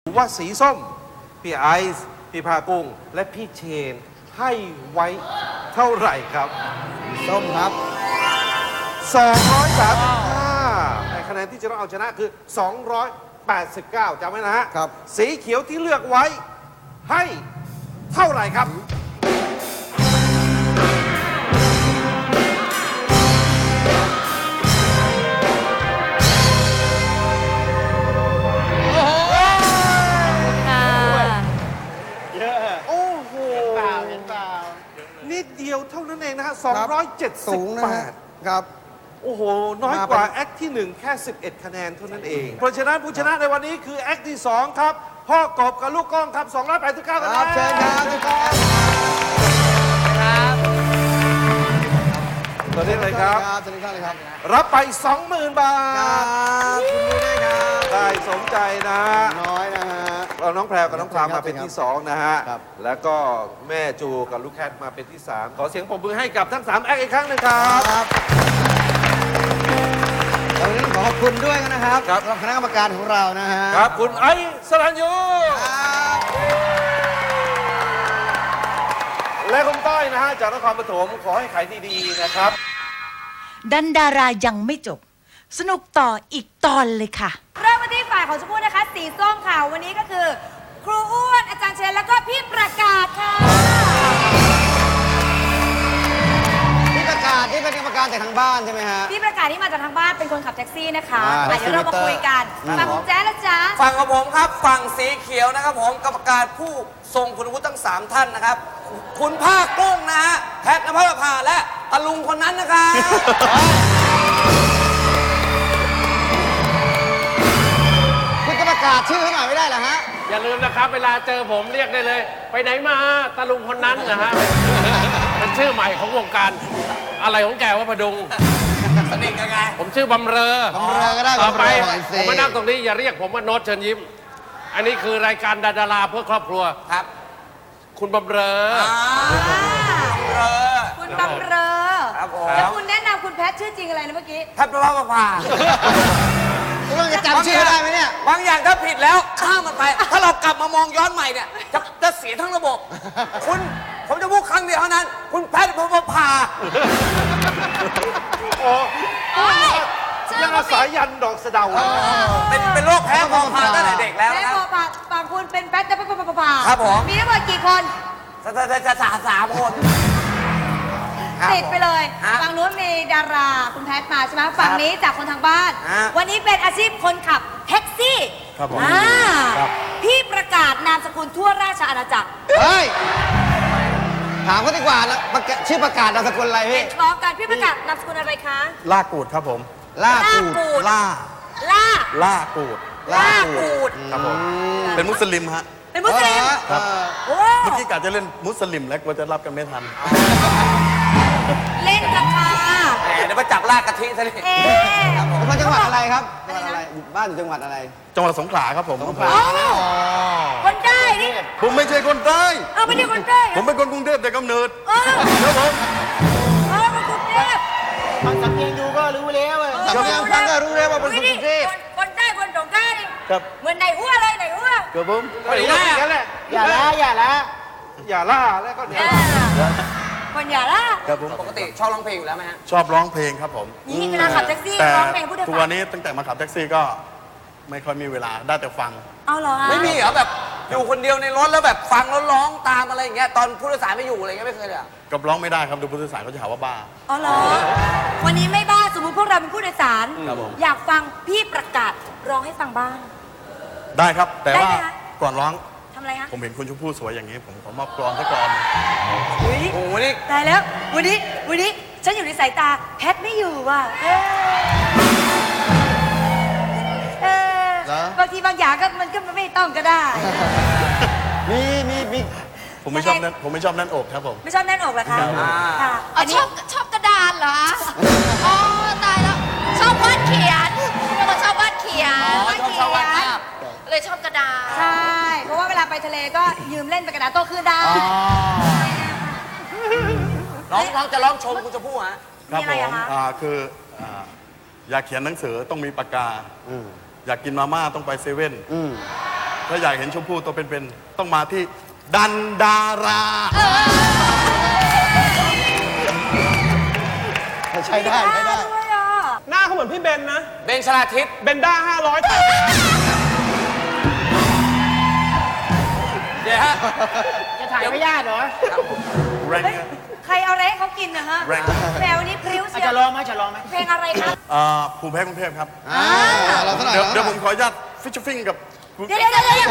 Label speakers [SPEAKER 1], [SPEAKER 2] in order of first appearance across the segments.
[SPEAKER 1] ว่าสีส้มพี่ไอซ์พี่พากุ้งและพี่เชนให้ไว้เท่าไหร่ครับ
[SPEAKER 2] ส้มครับ
[SPEAKER 1] 235แต่คะแนนที่จะต้องเอาชนะคือ 289จำไว้นะฮะ
[SPEAKER 2] ครับ
[SPEAKER 1] สีเขียวที่เลือกไว้ให้เท่าไหร่ครับ โอ้โหนิดเดียวเท่านั้นเองนะฮะ
[SPEAKER 2] สูงนะฮะ
[SPEAKER 1] 278
[SPEAKER 2] ครับ
[SPEAKER 1] โอ้โห น้อยกว่าแอคที่ 1 แค่ 11 คะแนนเท่านั้นเอง เพราะฉะนั้นผู้ชนะในวันนี้คือแอคที่ 2 ครับ พ่อกบกับลูกก้องครับ 289 คะแน
[SPEAKER 2] ครับ
[SPEAKER 1] น
[SPEAKER 2] เชิญครับทุกท่าน
[SPEAKER 1] ตัวนี้เลยครับ
[SPEAKER 2] เชิญทุกท่านเลยครับ
[SPEAKER 1] รับไป 20,000 บา
[SPEAKER 2] ครั
[SPEAKER 1] ท
[SPEAKER 2] บคุณมือได้ครับ
[SPEAKER 1] ได้สมใจนะ
[SPEAKER 2] น้อยนะฮะ
[SPEAKER 1] เราน้องแพรวกับน้องพรามมาเป็นที่ 2 นะฮะ
[SPEAKER 2] ครับ
[SPEAKER 1] แล้วก็แม่จูกับลูกแคทมาเป็นที่ 3 ขอเสียงปรบมือให้กับทั้ง 3 แอคอีกครั้งหนึงครับ
[SPEAKER 2] ครับวันนี้ขอขอบคุณด้วยนะครับ
[SPEAKER 1] ครับ
[SPEAKER 2] สำหรับคณะกรรมการของเรานะฮะ
[SPEAKER 1] ครับคุณไอซ์สรัญยู
[SPEAKER 2] ครับ
[SPEAKER 1] และคุณต้อยนะฮะจากนครปฐมขอให้ขายดีๆนะครับ
[SPEAKER 3] ดันดารายังไม่จบ สนุกต่ออีกตอนเลยค่ะ
[SPEAKER 4] เริ่มมาที่ฝ่ายของชมพู่นะคะ สีส้มค่ะ วันนี้ก็คือ ครูอ้วนอาจารย์เชนแล้วก็พี่ประกาศค่ะ
[SPEAKER 2] ที่ประกาศที่เป็นกรรมการจากทางบ้านใช่ไหมฮะ
[SPEAKER 4] พี่ประกาศที่มาจากทางบ้านเป็นคนขับแท็กซี่นะคะ
[SPEAKER 2] อ่า
[SPEAKER 4] เดี๋ยวเรามาคุยกันฟังคุณแจ๊ดนะจ๊ะ
[SPEAKER 5] ฝั่งของผมครับฝั่งสีเขียวนะครับผมกรรมการผู้ทรงคุณวุฒิทั้ง 3 ท่านนะครับ คุณภาคกุ้งนะฮะแพทย์นภพาและตะลุงคนนั้นนะครับ
[SPEAKER 2] คุณจะประกาศชื่อเขาหน่อยไม่ได้เหรอฮะ
[SPEAKER 6] อย่าลืมนะครับ เวลาเจอผมเรียกได้เลย ไปไหนมาตะลุงคนนั้นนะฮะ เป็นชื่อใหม่ของวงการ อะไรของแกว่าประดุง
[SPEAKER 5] สนิทกันไง
[SPEAKER 6] ผมชื่อบำเรอบ
[SPEAKER 2] ำเรอก็ได้
[SPEAKER 6] ต่อไป
[SPEAKER 2] บำเรอหน่อยสิ
[SPEAKER 6] ผมมานั่งตรงนี้อย่าเรียกผมว่าโน้ตเชิญยิ้ม อันนี้คือรายการดาราเพื่อครอบครัว
[SPEAKER 5] ครับ
[SPEAKER 6] คุณบำเรอ
[SPEAKER 4] คุณบำเรอ
[SPEAKER 5] ครับผม
[SPEAKER 4] แล้วคุณแนะนำคุณแพทชื่อจริงอะไรนะเมื่อกี้
[SPEAKER 5] แพทย์นภพา
[SPEAKER 2] คุณต้องจะจำชื่อได้ไหมเนี่ย
[SPEAKER 5] บางอย่างถ้าผิดแล้วข้ามมันไป ถ้าเรากลับมามองย้อนใหม่เนี่ยจะเสียทั้งระบบ ผมจะพูดครั้งเดียวเท่านั้น คุณแพทย์นภพา
[SPEAKER 1] โอ้ยังอาศัยยันดอกสะเดา
[SPEAKER 5] เป็นโรคแพ้พอพาตั้งแต่เด็กแล้ว
[SPEAKER 4] แม่
[SPEAKER 5] นะ
[SPEAKER 4] พอปากฝั่งคุณเป็นแพทจะเป็นปะ
[SPEAKER 5] ครับผม
[SPEAKER 4] มีทั้งหมดกี่คน
[SPEAKER 5] จะสามคน
[SPEAKER 4] ติดไปเลย
[SPEAKER 5] ฮะ
[SPEAKER 4] ฝั่งนู้นมีดาราคุณแพทมาใช่ไหมฝั่งนี้จากคนทางบ้าน
[SPEAKER 5] ฮะ
[SPEAKER 4] วันนี้เป็นอาชีพคนขับแท็กซี่
[SPEAKER 2] ครับผม
[SPEAKER 4] พี่ประกาศนามสกุลทั่วราชอาณาจักร
[SPEAKER 2] เฮ้ย ถามเขาดีกว่าแล้วชื่อประกาศนามสกุลอะไรพี่
[SPEAKER 4] พร้อมกันพี่ประกาศนามสกุลอะไรคะ
[SPEAKER 7] ลากกูดครับผม
[SPEAKER 2] ล่ากูด
[SPEAKER 4] กูด
[SPEAKER 7] ล่า
[SPEAKER 4] ล่า
[SPEAKER 7] ล่ากูด
[SPEAKER 4] ล่ากูด
[SPEAKER 7] ครับผม เป็นมุสลิมฮะ
[SPEAKER 4] เป็นมุสลิม
[SPEAKER 7] ครับ
[SPEAKER 4] โอ้
[SPEAKER 7] เมื่อกี้กะจะเล่นมุสลิมแล้วกลัวจะรับกันไม่ทัน
[SPEAKER 4] เล่นกับค่ะ
[SPEAKER 5] แหมเดี๋ยวมาจับลากกะทิซะดิ
[SPEAKER 4] เอ๊ะ
[SPEAKER 2] เป็นคนจังหวัดอะไรครับ
[SPEAKER 4] อะ
[SPEAKER 2] จังห
[SPEAKER 4] ไร
[SPEAKER 2] วัด
[SPEAKER 4] นะ
[SPEAKER 2] อะไร บ้านอยู่จังหวัดอะไร
[SPEAKER 7] จังหวัดสงขลาครับผม
[SPEAKER 2] สงขลา
[SPEAKER 4] คนได้นี่
[SPEAKER 7] ผมไม่ใช่คนใต้
[SPEAKER 4] เอาไม่ได้คนได้
[SPEAKER 7] ผมเป็นคนกรุงเทพแต่กำเนิด
[SPEAKER 4] เออ
[SPEAKER 7] ครับผม
[SPEAKER 4] เออคนกรุงเทพ
[SPEAKER 2] ฟังสำเนียงดูก็รู้แล้วสำเนียงฟังก็รู้แล้วว่าเป็นคนกรุงเทพ
[SPEAKER 4] คนใต้คนสงขลานี่
[SPEAKER 7] ครับ
[SPEAKER 4] เหมือนไหนหัวเลยไหนหัว
[SPEAKER 7] ครับผม
[SPEAKER 1] ไม่ได้ว่าอย่างนั้นแหละ
[SPEAKER 2] อย่าละอย่าละ
[SPEAKER 1] อย่าล่าแล้วก็เนี่ย
[SPEAKER 4] คนอย่าละ
[SPEAKER 7] ครับผม
[SPEAKER 5] ปกติชอบร้องเพลงอยู่แล้วไหมฮะ
[SPEAKER 7] ชอบร้องเพลงครับผม
[SPEAKER 4] นี่เวลาขับแท็กซี่
[SPEAKER 7] แต่
[SPEAKER 4] ร้องเพลงผู้โดย
[SPEAKER 7] ทุก
[SPEAKER 4] สา
[SPEAKER 7] วั
[SPEAKER 4] ร
[SPEAKER 7] นนี้ตั้งแต่มาขับแท็กซี่ก็ไม่ค่อยมีเวลาได้แต่ฟัง
[SPEAKER 4] เอาเหรอฮะ
[SPEAKER 5] ไม่มีเหรอแบบอยู่คนเดียวในรถแล้วแบบฟังแล้วร้องตามอะไรอย่างเงี้ยตอนผู้โดยสารไม่อยู่อะไรเงี้ยไม่เคยเลยเหรอ
[SPEAKER 7] กับร้องไม่ได้ครับดูผู้โดยสารเขาจะหาว่าบ้า
[SPEAKER 4] เอาเหรอวันนี้ไม่บ้าสมมติพวกเราเป็นผู้โดยสาร
[SPEAKER 7] ครับผม
[SPEAKER 4] อยากฟังพี่ประกาศร้องให้ฟังบ้าง
[SPEAKER 7] ได้ครับ แต่
[SPEAKER 4] ได้
[SPEAKER 7] ว่า
[SPEAKER 4] ไหมคะ
[SPEAKER 7] ก่อนร้อง
[SPEAKER 4] ทำอะไรฮะ
[SPEAKER 7] ผมเห็นคุณชมพู่สวยอย่างนี้ ผมขอมอบกรอนสักกรอน
[SPEAKER 4] อุ้ย
[SPEAKER 5] โอ้โหนี่
[SPEAKER 4] ตายแล้ววันนี้ฉันอยู่ในสายตาแพทไม่อยู่ว่ะเออ
[SPEAKER 2] เหรอ
[SPEAKER 4] บางทีบางอย่างก็มันก็ไม่ต้องก็ได้
[SPEAKER 2] มี
[SPEAKER 7] ผมไม่ชอบนั่นผมไม่ชอบนั่นอกครับผม
[SPEAKER 4] ไม่ชอบแน่นอกเหรอคะ
[SPEAKER 7] ครับ
[SPEAKER 4] ค่ะ
[SPEAKER 8] อ๋อชอบกระดานเหรอ อ๋อ ตายแล้ว ชอบวาดเขียนเป็นคนชอบวาดเขียน
[SPEAKER 5] ชอบวาดภาพ
[SPEAKER 8] เลยชอบกระดาน
[SPEAKER 4] ใช่ เพราะว่าเวลาไปทะเลก็ยืมเล่นไปกระดาษโต้คลื่นได้
[SPEAKER 5] ร้องจะร้องชมคุณชมพู่ฮะ
[SPEAKER 7] ครับ
[SPEAKER 4] มีอะ
[SPEAKER 7] ผ
[SPEAKER 4] ไร
[SPEAKER 7] ม
[SPEAKER 4] อะคะ
[SPEAKER 7] คืออยากเขียนหนังสือต้องมีปากกา อยากกินมาม่าต้องไปเซเว่นถ้าอยากเห็นชมพู่ตัวเป็นๆต้องมาที่ดันดารา
[SPEAKER 2] ใช้ได้ใช้ได้
[SPEAKER 4] ด้วยอ่ะ
[SPEAKER 9] หน้าเขาเหมือนพี่เบนนะ
[SPEAKER 5] เบนชลาทิศ
[SPEAKER 9] เบนด้า500
[SPEAKER 5] เดี๋ยวฮะ
[SPEAKER 9] จะถ่ายไม่ยากเหรอ
[SPEAKER 7] แรง
[SPEAKER 4] เฮ้ยใครเอาอะไรให้เขากินนะฮะ
[SPEAKER 7] แรง
[SPEAKER 4] แหมวันนี้พริ้วเชียว
[SPEAKER 9] จะลองไหมจะลองไหม
[SPEAKER 4] เพลงอะไรคะ
[SPEAKER 7] ภูมิแพ้กรุงเทพครับ
[SPEAKER 2] เราเท่าไหร่
[SPEAKER 7] เดี๋ยวผมขออนุญาตฟิชชิ่งกับคุณ
[SPEAKER 4] เดี๋ยว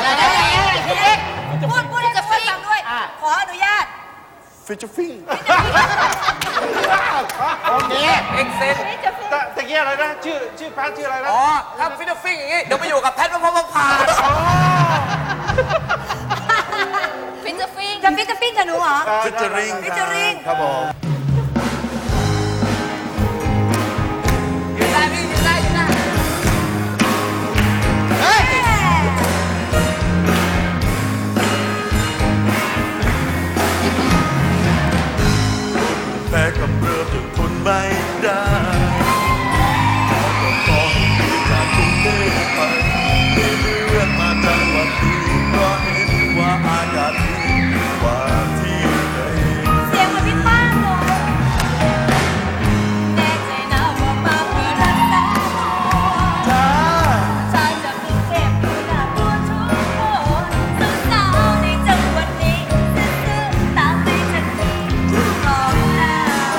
[SPEAKER 4] พูดให้จะฟังตามด้วย ขออนุญาต
[SPEAKER 7] ฟิชชิ่ง
[SPEAKER 1] โอเค
[SPEAKER 5] เอ็กเซน
[SPEAKER 1] ตะเกียอะไรนะ ชื่อแพทชื่ออะไรนะ
[SPEAKER 5] อ๋อถ้าฟิตฟิ้งอย่างงี้ เดี๋ยวไปอยู่กับแพทย์พระพา
[SPEAKER 8] ฟินจะฟิง
[SPEAKER 4] จะฟิตจะปิ้งกับหนูเหรอ
[SPEAKER 7] ฟิชเจอริง
[SPEAKER 4] featuring
[SPEAKER 7] ครับผม
[SPEAKER 5] ยืนได้พี่ยืนได้ยืนได้
[SPEAKER 7] แพ้กับเรือจนทนไม่ได้ขอให้จากกรุงเทพไปมีเรื่องมาจังหวัดที่ก็เห็นว่าอากาศดีกว่าที่ไหน
[SPEAKER 4] เสียงเหมือนพี่ป้างเลยแน่ใจนะว่ามาเพื่อรักษาชายจากกรุงเทพดูน่ากลัวทุกคนสาวๆในจังหวัดนี้ซื่อๆตามใจฉันนี้รอแล้ว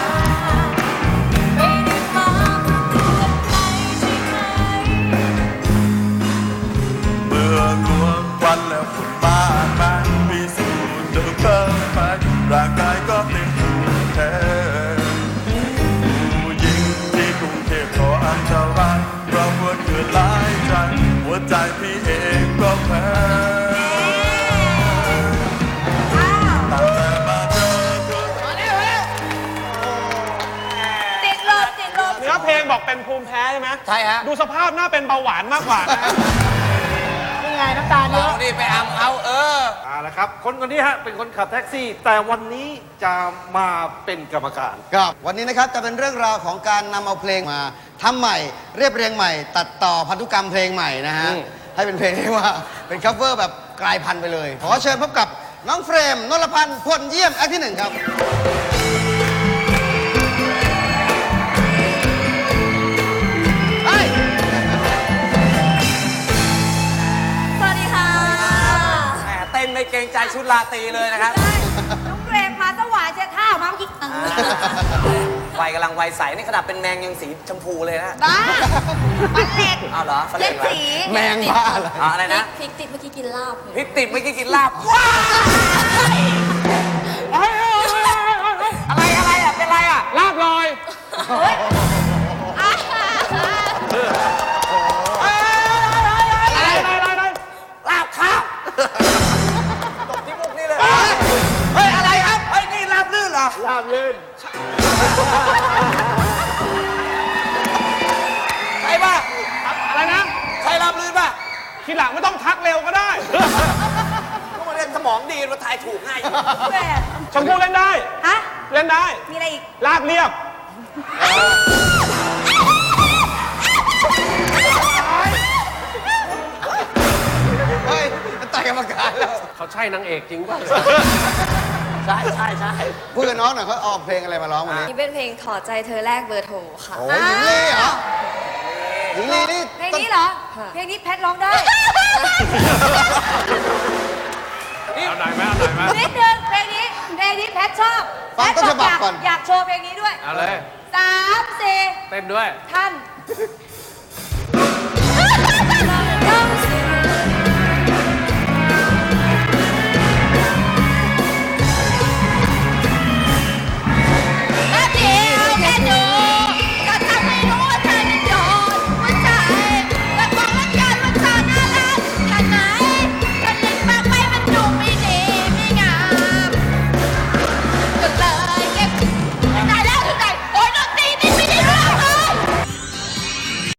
[SPEAKER 4] ไม่ได้มาเพื่อเตือนใครใช่ไหม
[SPEAKER 7] เมื่อรวมควันแล้วฝุ่นมากมายมีสูตรเดิมเพิ่มไปร่างกายก็เต็มภูมิแพ้ผู้หญิงที่กรุงเทพก็อันตรายเพราะว่าเกิดหลายใจหัวใจพี่เองก็แพ้ตั้งแต่มาเจอเธอ
[SPEAKER 4] ติดลมติดลม
[SPEAKER 9] เนื้อเพลงบอกเป็นภูมิแพ้ใช่ไหม
[SPEAKER 5] ใช่ฮะ
[SPEAKER 9] ดูสภาพหน้าเป็นเบาหวานมากกว่านะนี่ไงน้ำตาลเย
[SPEAKER 5] เอา
[SPEAKER 9] อะ
[SPEAKER 5] นี่ไปอัมเอา
[SPEAKER 1] ละครับ คนนี้ฮะเป็นคนขับแท็กซี่ แต่วันนี้จะมาเป็นกรรมการ
[SPEAKER 2] ครับวันนี้นะครับจะเป็นเรื่องราวของการนำเอาเพลงมาทำใหม่เรียบเรียงใหม่ ตัดต่อพันธุกรรมเพลงใหม่นะฮะให้เป็นเพลงที่ว่าเป็นคัฟเวอร์แบบกลายพันธุ์ไปเลย ขอเชิญพบกับน้องเฟรมนรพันธ์พลเยี่ยมแอคที่ 1 ครับไป
[SPEAKER 4] สวัสดีค่ะ
[SPEAKER 5] แหมเต้นไม่เกรงใจชุดราตรีเลยนะครับ
[SPEAKER 4] น้องเกรมมาสวายเจ้าท่ามาเมื่อกี้
[SPEAKER 5] วัยกำลังวัยใส นี่ขนาดเป็นแมงยังสีชมพูเลยนะ
[SPEAKER 8] บ้าฟันเหล็ก
[SPEAKER 5] เอาเหรอฟันเห
[SPEAKER 8] เล่
[SPEAKER 5] ล็
[SPEAKER 8] น
[SPEAKER 5] กเหรอ
[SPEAKER 8] สี
[SPEAKER 2] แมงบ้าอะไร
[SPEAKER 5] อะไรนะ
[SPEAKER 8] พริกติดเมื่อกี้กินลาบ
[SPEAKER 5] พริกติดเมื่อกี้กินลาบ อะไรอ่ะ เป็นอะไรอ่ะ
[SPEAKER 9] ลาบลอย อะไร
[SPEAKER 5] ลาบข้าวตบที่มุกนี่เลย เฮ้ย อะไรครับ เฮ้ย นี่ลาบลื่นเหรอ
[SPEAKER 9] ลาบลื่น
[SPEAKER 5] ใช่ป่ะ
[SPEAKER 9] อะไรนะ
[SPEAKER 5] ใช่ลาบลื่นป่ะ
[SPEAKER 9] ทีหลังไม่ต้องทักเร็วก็ได้
[SPEAKER 5] ก็มาเล่นสมองดีมาทายถูกง่ายอยู่
[SPEAKER 4] แหม
[SPEAKER 9] ชมพู่เล่นได้
[SPEAKER 4] ฮะ
[SPEAKER 9] เล่นได้
[SPEAKER 4] มีอะไรอีก
[SPEAKER 9] ลาบเรียบ
[SPEAKER 2] เฮ้ยมันต่อยกรรมการแล้ว
[SPEAKER 6] เขาใช่นางเอกจริงป่ะ
[SPEAKER 5] ใช่ใช่ใช่
[SPEAKER 2] พูดกับน้องหน่อยเขาเอาเพลงอะไรมาร้องวันนี้
[SPEAKER 8] นี่เป็นเพลงถอดใจเธอแรกเบอร์โทรค่ะ
[SPEAKER 2] โอ้ยหญิงลีเหรอหญิงลีนี่
[SPEAKER 4] เพลงนี้เหรอ เพลงนี้แพทร้องได้
[SPEAKER 6] เอาหน่อยไหมเอาหน่อยไหม
[SPEAKER 4] นิดนึงเพลงนี้แพทชอบ
[SPEAKER 2] ฟังต้นฉบับก่อน
[SPEAKER 4] อยากโชว์เพลงนี้ด้วย
[SPEAKER 6] เอาเลย
[SPEAKER 4] 3 4
[SPEAKER 6] เต้นด้วย
[SPEAKER 4] ท่าน